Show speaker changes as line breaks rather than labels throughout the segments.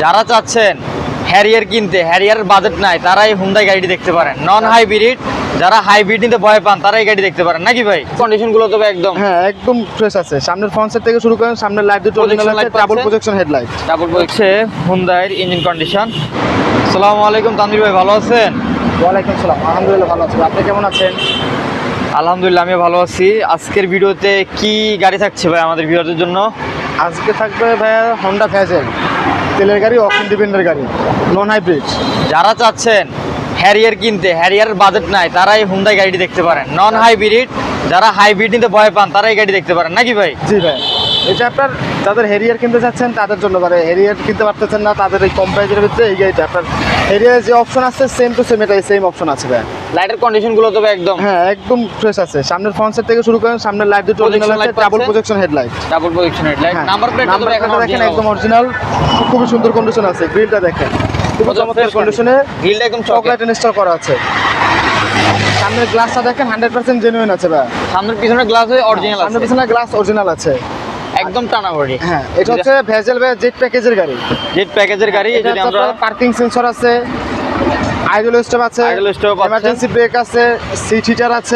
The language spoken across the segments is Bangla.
যারা চাচ্ছেন হ্যারিয়ার কিনতে, হ্যারিয়ার বাজেট নাই, তারা এই হুন্ডাই গাড়িটি দেখতে পারেন। নন হাইব্রিড, যারা হাইব্রিড নিতে ভয় পান তারা এই গাড়ি দেখতে পারেন নাকি ভাই? কন্ডিশন গুলো তবে একদম
হ্যাঁ একদম ফ্রেশ আছে। সামনের ফ্রন্ট সাইড থেকে শুরু করেন, সামনের লাইট দুটো অরিজিনাল আছে, ডাবল প্রজেকশন হেডলাইট।
ডাবল হচ্ছে হুন্ডাইয়ের ইঞ্জিন কন্ডিশন। আসসালামু আলাইকুম তানভীর ভাই, ভালো আছেন?
ওয়ালাইকুম সালাম, আলহামদুলিল্লাহ ভালো আছি। আপনি কেমন আছেন?
আলহামদুলিল্লাহ আমিও ভালো আছি। আজকের ভিডিওতে কি গাড়ি থাকছে ভাই আমাদের ভিউয়ারদের জন্য?
আজকে থাকবে ভাইয়া হন্ডা ভেজেল, তেলের গাড়ি, অপশন ডিপেন্ডের গাড়ি, নন হাইব্রিড।
যারা চাচ্ছেন হ্যারিয়ার কিনতে, হ্যারিয়ার বাজেট নাই, তারা এই হুন্ডাই গাড়িটি দেখতে পারেন। নন হাইব্রিড, যারা হাইব্রিড নিতে ভয় পান তারা এই গাড়ি দেখতে পারেন নাকি ভাই?
জি ভাই, এটা আপনার যাদের হেরিয়ার কিনতে চাচ্ছেন তাদের জন্য, মানে হেরিয়ার কিনতে পারতেছেন না তাদের এই কম প্রাইজের ভিতরে এই গাড়িটা আপনার হেরিয়ার যে অপশন আছে সেম টু সেম, এটাই সেম অপশন আছে ভাই।
লাইটের কন্ডিশন গুলো তবে একদম
হ্যাঁ একদম ফ্রেশ আছে। সামনের ফ্রন্ট সাইড থেকে শুরু করেন, সামনের লাইট দুটো অরিজিনাল আছে, double projection headlight.
Double position headlight. Number প্লেটটা তবে এখন
দেখেন একদম অরিজিনাল, খুবই সুন্দর কন্ডিশন আছে। গ্রিলটা দেখেন খুব চমৎকার কন্ডিশনে,
গ্রিলটা একদম
চকলেট ইনস্টল করা আছে। সামনের গ্লাসটা দেখেন 100% জেনুইন আছে ভাই।
সামনের পিছনের গ্লাস অরিজিনাল আছে,
সামনের পিছনের গ্লাস অরিজিনাল আছে,
একদম টানা বডি।
হ্যাঁ এটা হচ্ছে ভেজেল ভাই জেট প্যাকেজের গাড়ি।
জেট প্যাকেজের গাড়ি। যদি আমরা
পার্কিং সেন্সর আছে, আইডল স্টপ আছে,
আইডল স্টপ আছে,
এমার্জেন্সি ব্রেক আছে, সিট হিটার আছে,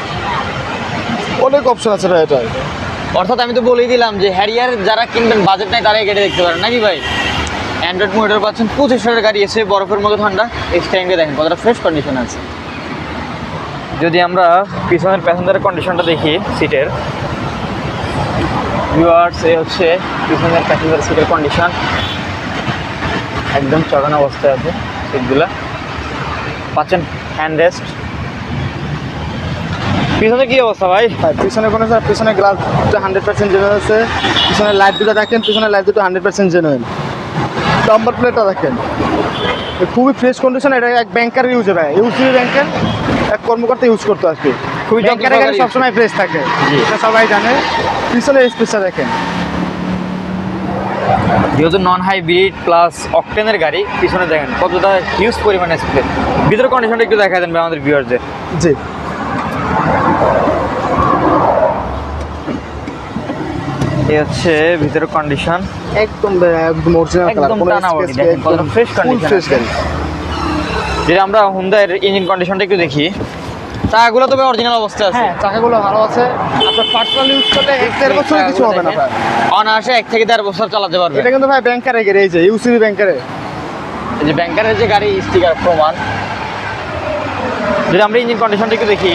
অনেক অপশন আছে ভাই এটা।
অর্থাৎ আমি তো বলেই দিলাম যে হ্যারিয়ার যারা কিনবেন বাজেট নাই তারা এই গাড়ি দেখতে পারেন নাকি ভাই? অ্যান্ড্রয়েড মোটর পাচ্ছেন, 25 গাড়ি এসে বরফের মতো ঠান্ডা। এক্সট্যান্ডে দেখেন কতটা ফ্রেশ কন্ডিশন আছে। যদি আমরা পিছনের প্যাসেঞ্জারের কন্ডিশনটা দেখি সিটের, ভিউয়ার্স এই হচ্ছে পিছনের প্যাসেঞ্জার সিটের কন্ডিশন, একদম চড়ানো অবস্থায় আছে সিটগুলা। পাচ্ছেন হ্যান্ড রেস্ট। পিছনে কি অবস্থা ভাই?
পিছনে কোনো পিছনে গ্লাস 100% জেনুইন আছে। পিছনে লাইট দুটো দেখেন, পিছনে লাইট দুটো 100% জেনুইন। নাম্বার প্লেটটা দেখেন খুবই ফ্রেশ কন্ডিশন। এটা এক ব্যাংকার ইউজ হয়, ইউসিবি ব্যাংকের এক কর্মকর্তা ইউজ করতে আসবে।
খুবই
ব্যাংকারের গাড়ি সবসময় ফ্রেশ থাকে, এটা সবাই জানে। পিছনে স্পেসটা দেখেন,
যেহেতু নন হাইব্রিড প্লাস অকটেনের গাড়ি, পিছনে দেখেন কতটা হিউজ পরিমাণে স্পেস। ভিতরের কন্ডিশনটা একটু দেখা দেন ভাই আমাদের ভিউয়ারদের।
জি
এই হচ্ছে ভিতরের কন্ডিশন,
একদম একদম অরিজিনাল কালার,
একদম
কোনো
টানা বডি।
স্কেচ
দেখেন কতটা ফ্রেশ কন্ডিশন।
ফ্রেশ গাড়ি।
যদি আমরা হুন্ডাইয়ের ইঞ্জিন কন্ডিশনটা একটু দেখি, চাকাগুলো তবে অরিজিনাল অবস্থায় আছে।
হ্যাঁ চাকাগুলো ভালো আছে। আপনার পার্সোনাল ইউজ করলে 1-1.5 বছর কিছু হবে না ভাই।
অনায়াসে 1 থেকে 1.5 বছর চালাতে পারবে।
এটা কিন্তু ভাই ব্যাংকারের গাড়ি, এই যে ইউসিবি ব্যাংকারে,
এই যে ব্যাংকারের যে গাড়ি স্টিকার প্রমাণ। যদি আমরা ইঞ্জিন কন্ডিশনটা একটু দেখি,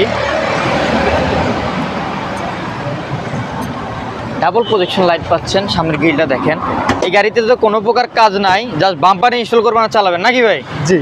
ডাবল প্রজেকশন লাইট পাচ্ছেন, সামনের গ্রিলটা দেখেন। এই গাড়িতে তো কোনো প্রকার কাজ নাই, জাস্ট বাম্পারে ইনস্টল করবেন আর চালাবেন নাকি ভাই?
জি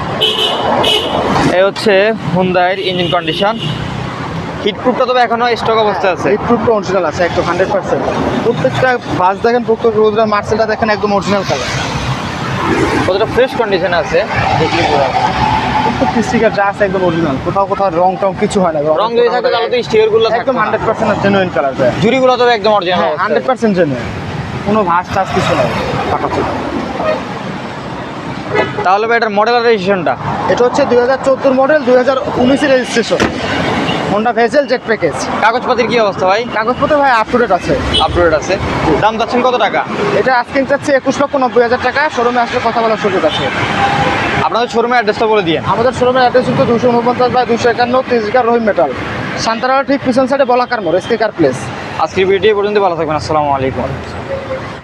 এই হচ্ছে হুন্ডাইয়ের ইঞ্জিন কন্ডিশন। হিটপ্রুফটা তবে এখনো স্টক অবস্থায় আছে।
হিটপ্রুফটা অরিজিনাল আছে একদম 100%। প্রত্যেকটা বাস দেখেন, প্রত্যেকটা মার্সেলটা দেখেন একদম অরিজিনাল কালার,
কতটা ফ্রেশ কন্ডিশনে আছে দেখলে বোঝা যাবে।
প্রত্যেকটা স্টিকার যা আছে একদম অরিজিনাল, কোথাও কোথাও রং টং কিছু হয় না।
রং যদি থাকে তাহলে তো স্টিকারগুলো
একদম 100% জেনুইন কালার ভাই।
জুড়িগুলো তবে একদম অরিজিনাল।
হ্যাঁ 100% জেনুইন, কোনো ভাঁজ টাজ কিছু নাই।
তাহলে ভাই এটার মডেল আর রেজিস্ট্রেশনটা?
এটা হচ্ছে 2014 model, 2019 registration, Honda Vezel jet package.
কাগজপাতির কি অবস্থা ভাই?
কাগজপত্র ভাই আপ টু ডেট আছে।
আপডেট আছে। দাম চাচ্ছেন কত টাকা?
এটা আজকে চাচ্ছে 21,90,000 টাকা। শোরুমে আসলে কথা বলার সুযোগ আছে।
আপনাদের শোরুমের অ্যাড্রেসটা বলে দিয়েন।
আমাদের শোরুমের অ্যাড্রেস হচ্ছে 249/251 তেজগাঁ রহিম মেটাল, সান্তারা ঠিক পিছন সাইডে বলাকার মোড়, এসকে কার প্লেস।
আজকের ভিডিও পর্যন্ত ভালো থাকবেন। আসসালামু আলাইকুম।